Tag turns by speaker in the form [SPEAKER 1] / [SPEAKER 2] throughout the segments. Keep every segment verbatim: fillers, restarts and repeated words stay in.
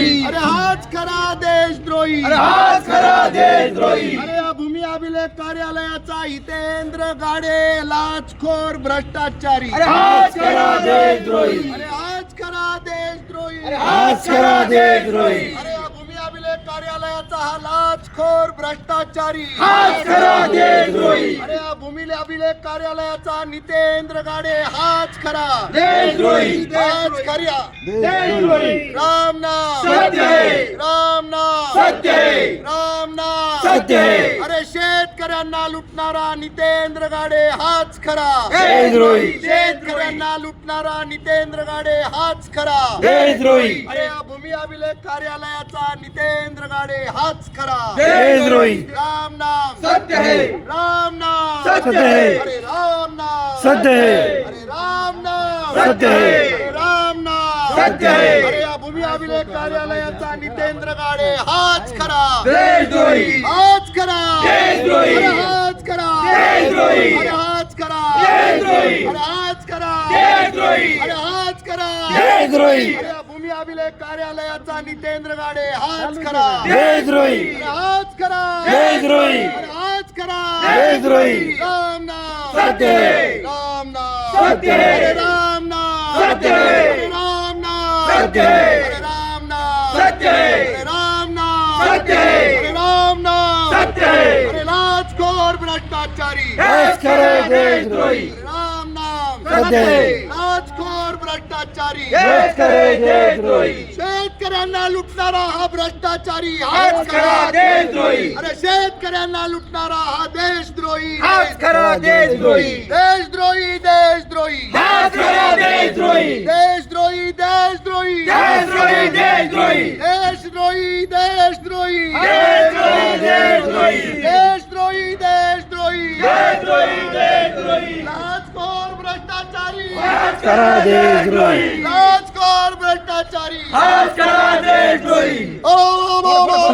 [SPEAKER 1] देशद्रोही,
[SPEAKER 2] अरे हाच खरा देशद्रोही,
[SPEAKER 1] अरे हाच खरा देशद्रोही.
[SPEAKER 2] अरे या भूमी अभिलेख कार्यालयाचा हितेंद्र गाडे लाचखोर भ्रष्टाचारी,
[SPEAKER 1] अरे हाच खरा देशद्रोही,
[SPEAKER 2] अरे हाच खरा देशद्रोही,
[SPEAKER 1] अरे हाच खरा देशद्रोही.
[SPEAKER 2] अरे या भूमी अभिलेख कार्यालयाचा हा लाचखोर भ्रष्टाचारी,
[SPEAKER 1] हाच खरा देशद्रोही,
[SPEAKER 2] अरे या भूमी अभिलेख कार्यालयाचा नितेंद्र गाडे हाच खरा
[SPEAKER 1] देशद्रोही,
[SPEAKER 2] हाच खऱ्या
[SPEAKER 1] देशद्रोही.
[SPEAKER 2] राम नाम
[SPEAKER 1] सत्य है,
[SPEAKER 2] राम नाम
[SPEAKER 1] सत्य है,
[SPEAKER 2] राम नाम
[SPEAKER 1] सत्य है.
[SPEAKER 2] अरे शेतकऱ्यांना लुटणारा नितेंद्र गाडे हाच खरा
[SPEAKER 1] देशद्रोही,
[SPEAKER 2] शेतकऱ्यांना लुटणारा नितेंद्र गाडे हाच खरा
[SPEAKER 1] देशद्रोही,
[SPEAKER 2] अरे या भूमी अभिलेख कार्यालयाचा नितेंद्र गाडे हाच खरा
[SPEAKER 1] देशद्रोही.
[SPEAKER 2] राम नाम
[SPEAKER 1] सत्य है,
[SPEAKER 2] राम नाम
[SPEAKER 1] सत्य है,
[SPEAKER 2] अरे राम नाम
[SPEAKER 1] सत्य है,
[SPEAKER 2] अरे राम नाम
[SPEAKER 1] सत्य है,
[SPEAKER 2] अरे राम नाम
[SPEAKER 1] सत्य है.
[SPEAKER 2] अरे या भूमी अभिलेख कार्यालयाचा नितेंद्र गाडे हाच खरा
[SPEAKER 1] देशद्रोही,
[SPEAKER 2] हाच खरा
[SPEAKER 1] देशद्रोही.
[SPEAKER 2] अरे हाच खरा
[SPEAKER 1] देशद्रोही.
[SPEAKER 2] अरे हाच खरा
[SPEAKER 1] देशद्रोही.
[SPEAKER 2] अरे हाच खरा
[SPEAKER 1] देशद्रोही.
[SPEAKER 2] अरे हाच खरा
[SPEAKER 1] देशद्रोही.
[SPEAKER 2] अरे या भूमी अभिलेख कार्यालयाचा नितेंद्र गाडे हाच खरा
[SPEAKER 1] देशद्रोही,
[SPEAKER 2] अरे हाच खरा
[SPEAKER 1] देशद्रोही.
[SPEAKER 2] अरे हाच खरा
[SPEAKER 1] देशद्रोही.
[SPEAKER 2] राम नाम
[SPEAKER 1] सत्य है,
[SPEAKER 2] राम नाम
[SPEAKER 1] सत्य है.
[SPEAKER 2] अरे राम नाम
[SPEAKER 1] सत्य है.
[SPEAKER 2] अरे राम नाम
[SPEAKER 1] सत्य है.
[SPEAKER 2] अरे राम नाम
[SPEAKER 1] सत्य है.
[SPEAKER 2] अरे राम नाम
[SPEAKER 1] सत्य है.
[SPEAKER 2] अरे राम नाम
[SPEAKER 1] सत्य है.
[SPEAKER 2] अरे लाचखोर भ्रष्टाचारी
[SPEAKER 1] हाच खरा देशद्रोही,
[SPEAKER 2] राम नाम
[SPEAKER 1] सत्य है.
[SPEAKER 2] लाचखोर भ्रष्टाचारी
[SPEAKER 1] हाच खरा देशद्रोही,
[SPEAKER 2] शेतकऱ्यांना लुटणारा हा भ्ष्टाचारी
[SPEAKER 1] हाच खरा देशद्रोही,
[SPEAKER 2] अरे शेतकऱ्यांना लुटणारा हा देशद्रोही
[SPEAKER 1] हाच खरा देशद्रोही,
[SPEAKER 2] देशद्रोही देशद्रोही
[SPEAKER 1] हाच खरा देशद्रोही,
[SPEAKER 2] देशद्रोही देशद्रोही
[SPEAKER 1] देशद्रोही, देशद्रोही,
[SPEAKER 2] देशद्रोही देशद्रोही
[SPEAKER 1] देशद्रोही, देशद्रोही,
[SPEAKER 2] देशद्रोही देशद्रोही
[SPEAKER 1] देशद्रोही, देशद्रोही.
[SPEAKER 2] लाचखोर भ्रष्टाचारी
[SPEAKER 1] हाच खरा देशद्रोही,
[SPEAKER 2] लाचखोर भ्रष्टाचारी
[SPEAKER 1] हाच खरा देशद्रोही.
[SPEAKER 2] ओ ओ, ओ, ओ,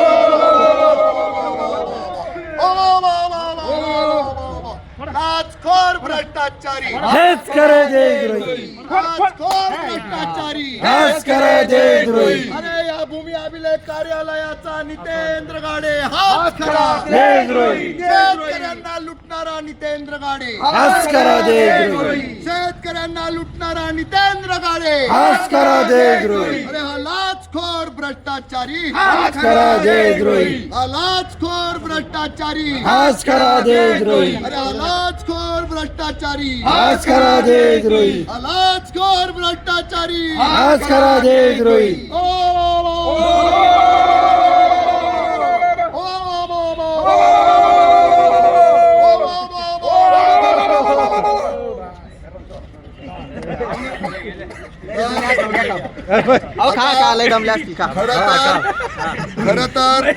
[SPEAKER 2] लाचखोर भ्रष्टाचारी
[SPEAKER 1] हाच खरा देशद्रोही,
[SPEAKER 2] लाचखोर भ्रष्टाचारी
[SPEAKER 1] हाच खरा देशद्रोही,
[SPEAKER 2] अरे या भूमी अभिलेख कार्यालयाचा नितेंद्र गाडे हाच खरा
[SPEAKER 1] देशद्रोही,
[SPEAKER 2] शेतकऱ्यांना लुटणारा नितेंद्र गाडे
[SPEAKER 1] हाच खरा देशद्रोही,
[SPEAKER 2] शेतकऱ्यांना लुटणारा नितेंद्र गाडे
[SPEAKER 1] हाच खरा देशद्रोही,
[SPEAKER 2] अरे हा लाचखोर भ्रष्टाचारी
[SPEAKER 1] हाच खरा देशद्रोही,
[SPEAKER 2] हा लाचखोर भ्रष्टाचारी
[SPEAKER 1] हाच खरा देशद्रोही,
[SPEAKER 2] अरे हा लाचखोर भ्रष्टाचारी
[SPEAKER 1] हाच खरा देशद्रोही,
[SPEAKER 2] हा लाचखोर भ्रष्टाचारी
[SPEAKER 1] हाच खरा देशद्रोही.
[SPEAKER 2] ओ, ओ, ओ, ओ, ओ,
[SPEAKER 3] अहो खा खा लय दमले असतील खा.
[SPEAKER 2] खरं तर खरं तर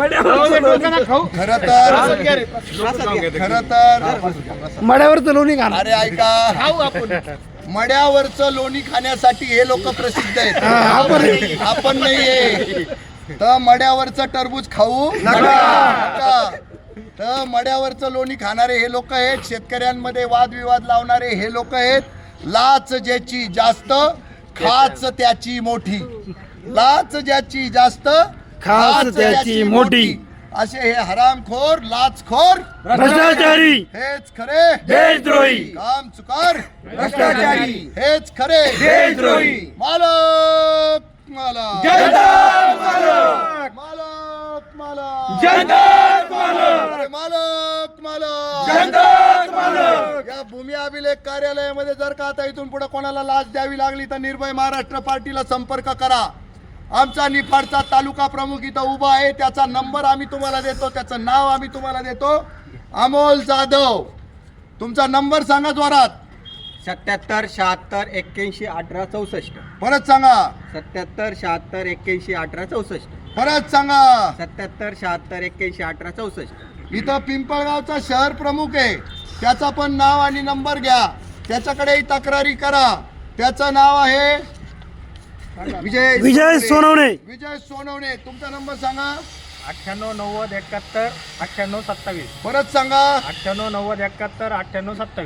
[SPEAKER 2] खरं तर खरं तर
[SPEAKER 1] मड्यावर लोणी घाल.
[SPEAKER 2] अरे ऐका मड्यावरचं लोणी खाण्यासाठी हे लोक प्रसिद्ध आहेत, आपण नाहीये. तर मड्यावरचं टरबूज खाऊ नका. तर मड्यावरचं लोणी खाणारे हे लोक आहेत, शेतकऱ्यांमध्ये वादविवाद लावणारे हे लोक आहेत. लाच ज्याची जास्त खाच त्याची मोठी, लाच ज्याची जास्त
[SPEAKER 1] खाच त्याची मोठी.
[SPEAKER 2] असे हे हरामखोर लाचखोर
[SPEAKER 1] भ्रष्टाचारी,
[SPEAKER 2] हेच खरे
[SPEAKER 1] देशद्रोही,
[SPEAKER 2] काम चुकार
[SPEAKER 1] भ्रष्टाचारी,
[SPEAKER 2] हेच खरे
[SPEAKER 1] देशद्रोही.
[SPEAKER 2] मालक मालक
[SPEAKER 1] जनता मालक,
[SPEAKER 2] मालक मालक
[SPEAKER 1] जनता मालक,
[SPEAKER 2] अरे मालक मालक
[SPEAKER 1] जनता मालक.
[SPEAKER 2] या भूमी अभिलेख कार्यालयामध्ये जर का आता इथून पुढे कोणाला लाच द्यावी लागली तर निर्भय महाराष्ट्र पार्टीला संपर्क करा. आमचा निफाडचा तालुका प्रमुख इथं उभा आहे, त्याचा नंबर आम्ही तुम्हाला देतो, त्याचं नाव आम्ही तुम्हाला देतो. अमोल जाधव, तुमचा नंबर सांगा जोरात.
[SPEAKER 3] सत्याहत्तर शहात्तर एक्क्याऐंशी अठरा चौसष्ट.
[SPEAKER 2] परत सांगा.
[SPEAKER 3] सत्याहत्तर शहात्तर एक्क्याऐंशी अठरा चौसष्ट.
[SPEAKER 2] परत सांगा.
[SPEAKER 3] सत्याहत्तर शहात्तर एक्क्याऐंशी अठरा चौसष्ट.
[SPEAKER 2] इथं पिंपळगावचा शहर प्रमुख आहे, त्याचा पण नाव आणि नंबर घ्या, त्याच्याकडेही तक्रारी करा. त्याचं नाव आहे विजय
[SPEAKER 1] विजय सोनवणे.
[SPEAKER 2] विजय सोनवणे. तुमचा नंबर सांगा.
[SPEAKER 4] अठ्ठ्याण्णव नव्वद एकाहत्तर अठ्ठ्याण्णव सत्तावीस.
[SPEAKER 2] परत सांगा.
[SPEAKER 4] अठ्ठ्याण्णव नव्वद एकाहत्तर अठ्ठ्याण्णव सत्तावीस.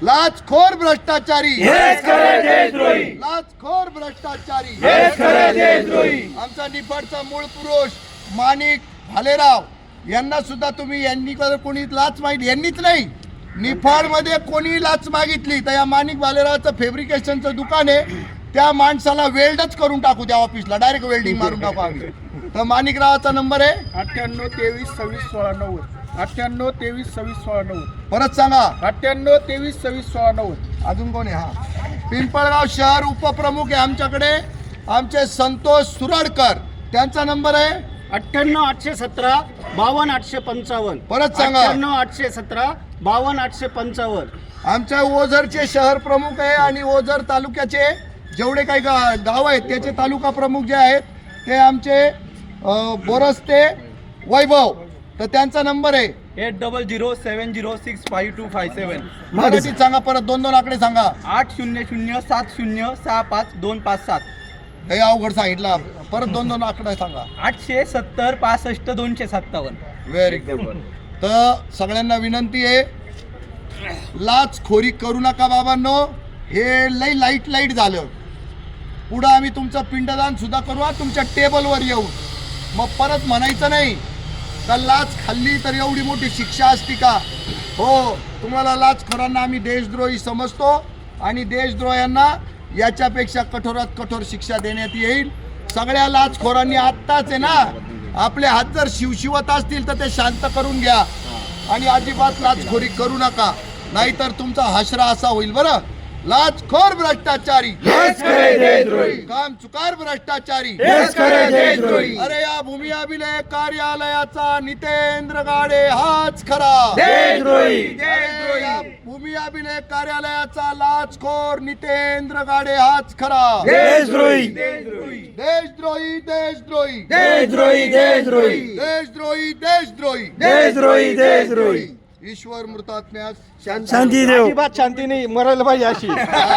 [SPEAKER 2] लाचखोर भ्रष्टाचारी
[SPEAKER 1] हेच खरे देशद्रोही.
[SPEAKER 2] लाचखोर भ्ष्टाचारी
[SPEAKER 1] हेच खरे देशद्रोही.
[SPEAKER 2] आमचा निफाडचा मूळ पुरुष माणिक भालेराव यांना सुद्धा तुम्ही यांनी जर कोणी लाच मागितली, यांनीच नाही निफाड मध्ये कोणी लाच मागितली तर या माणिक भालेरावचं फॅब्रिकेशनचं दुकान आहे, त्या माणसाला वेल्डच करून टाकू त्या ऑफिसला, डायरेक्ट वेल्डिंग मारून टाकू आम्ही. तर माणिकरावाचा नंबर आहे
[SPEAKER 4] अठ्ठ्याण्णव तेवीस सव्वीस सोळा नव्वद अठ्ठ्याण्णव तेवीस सव्वीस सोळा नव्वद
[SPEAKER 2] परत सांगा.
[SPEAKER 4] अठ्ठ्याण्णव तेवीस सव्वीस सोळा नव्वद
[SPEAKER 2] अजून कोण आहे? हा पिंपळगाव शहर उपप्रमुख आहे आमच्याकडे आमचे संतोष सुराडकर, त्यांचा नंबर आहे
[SPEAKER 4] अठ्ठ्याण्णव आठशे सतरा बावन्न आठशे पंचावन्न
[SPEAKER 2] परत सांगा.
[SPEAKER 4] अठ्ठ्याण्णव आठशे सतरा बावन्न आठशे पंचावन्न
[SPEAKER 2] आमच्या ओझरचे शहर प्रमुख आहे आणि ओझर तालुक्याचे जेवढे काही गा गाव आहेत त्याचे तालुका प्रमुख जे आहेत ते आमचे अ, बोरस्ते वैभव, तर त्यांचा नंबर आहे
[SPEAKER 3] eight double zero seven zero six five two five seven
[SPEAKER 2] मराठीत सांगा, परत दोन दोन आकडे सांगा.
[SPEAKER 3] आठ शून्य शून्य सात शून्य सहा पाच दोन पाच सात
[SPEAKER 2] हे अवघड सांगितलं, परत दोन दोन आकडे सांगा.
[SPEAKER 3] आठशे सत्तर पासष्ट दोनशे सत्तावन्न
[SPEAKER 2] व्हेरी गुड. तर सगळ्यांना विनंती आहे, लाचखोरी करू नका बाबांनो, हे लई लाईट लाईट झालं. पुढं आम्ही तुमचं पिंडदान सुद्धा करू हा तुमच्या टेबलवर येऊन, मग परत म्हणायचं नाही का लाच खाल्ली तर एवढी मोठी शिक्षा असती का. हो, तुम्हाला लाचखोरांना आम्ही देशद्रोही समजतो आणि देशद्रोह्यांना याच्यापेक्षा कठोरात कठोर शिक्षा देण्यात येईल. सगळ्या लाचखोरांनी आत्ताच आहे ना आपले हात जर शिवशिवत असतील तर ते शांत करून घ्या आणि अजिबात लाचखोरी करू नका, नाहीतर तुमचा हशरा असा होईल. बरं, लाचखोर भ्रष्टाचारी
[SPEAKER 1] हेच खरे देशद्रोही.
[SPEAKER 2] काम चुकार भ्रष्टाचारी
[SPEAKER 1] हेच खरे देशद्रोही.
[SPEAKER 2] अरे या भूमी अभिलेख कार्यालयाचा नितेंद्र गाडे हाच खरा
[SPEAKER 1] देशद्रोही.
[SPEAKER 2] अरे या भूमी अभिलेख कार्यालयाचा लाचखोर नितेंद्र गाडे हाच खरा
[SPEAKER 1] देशद्रोही.
[SPEAKER 2] देशद्रोही देशद्रोही
[SPEAKER 1] देशद्रोही. देशद्रोही.
[SPEAKER 2] देशद्रोही देशद्रोही
[SPEAKER 1] देशद्रोही. देशद्रोही.
[SPEAKER 2] ईश्वर मृतात्म्यास
[SPEAKER 1] शांती देव.
[SPEAKER 4] अजिबात शांती नाही, मरायला पाहिजे अशी.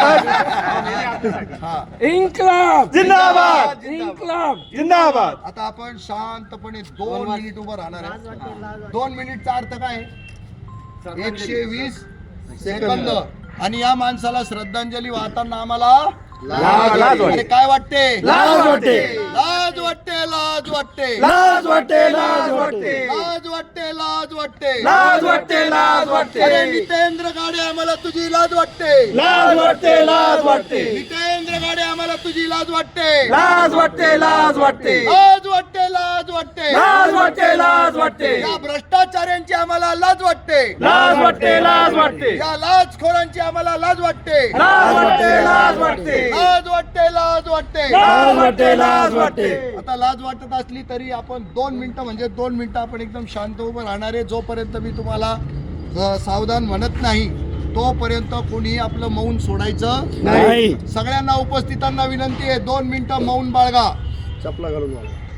[SPEAKER 2] हा.
[SPEAKER 1] इन्कलाब जिंदाबाद. इन्कलाब जिंदाबाद.
[SPEAKER 2] आता आपण शांतपणे दोन मिनिट उभं राहणार आहे. दोन मिनिटचा अर्थ काय? एकशे वीस सेकंद. आणि या माणसाला श्रद्धांजली वाहताना आम्हाला
[SPEAKER 1] लाज वाटते.
[SPEAKER 2] अरे काय वाटते?
[SPEAKER 1] लाज वाटते.
[SPEAKER 2] लाज वाटते. लाज वाटते.
[SPEAKER 1] लाज वाटते. लाज वाटते.
[SPEAKER 2] लाज वाटते. लाज वाटते.
[SPEAKER 1] लाज वाटते. लाज वाटते.
[SPEAKER 2] अरे नितेंद्र गाडे आम्हाला तुझी लाज वाटते.
[SPEAKER 1] लाज वाटते. लाज वाटते.
[SPEAKER 2] नितेंद्र गाडे आम्हाला तुझी लाज वाटते.
[SPEAKER 1] लाज वाटते. लाज वाटते.
[SPEAKER 2] लाज वाटते. लाज वाटते.
[SPEAKER 1] लाज वाटते. लाज वाटते.
[SPEAKER 2] या भ्रष्टाचार्यांची आम्हाला लाज वाटते.
[SPEAKER 1] लाज वाटते. लाज वाटते.
[SPEAKER 2] या लाचखोरांची आम्हाला लाज वाटते.
[SPEAKER 1] लाज वाटते. लाज वाटते.
[SPEAKER 2] लाज वाटते. लाज वाटते.
[SPEAKER 1] लाज वाटते. लाज वाटते.
[SPEAKER 2] आता लाज वाटत असली तरी आपण दोन मिनिटं म्हणजे दोन मिनिटं आपण एकदम शांत उभं राहणार आहे. जोपर्यंत मी तुम्हाला अ, सावधान म्हणत नाही तोपर्यंत कोणी आपलं मौन सोडायचं
[SPEAKER 1] नाही.
[SPEAKER 2] सगळ्यांना उपस्थितांना विनंती आहे, दोन मिनिटं मौन बाळगा.
[SPEAKER 4] चपला घालून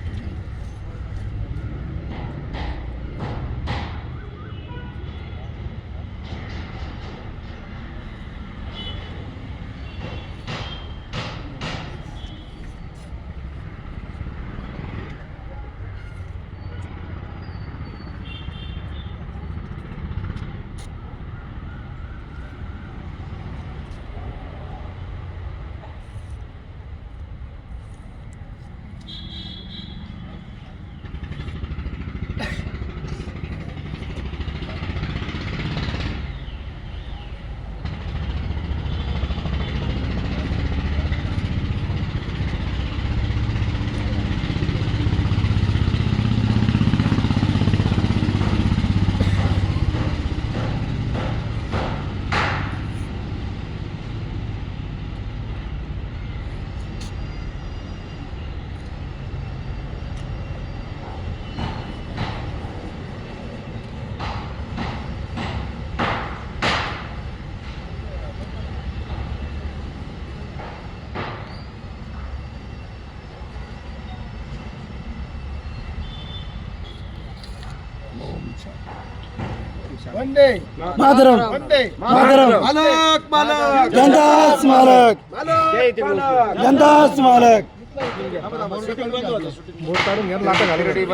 [SPEAKER 4] वंदे
[SPEAKER 1] मातरम.
[SPEAKER 4] वंदे
[SPEAKER 1] मातरम.
[SPEAKER 2] मालक मालक
[SPEAKER 1] जनता स्मारक. जनता स्मारक.
[SPEAKER 4] काढून घ्या, लाटा घाली.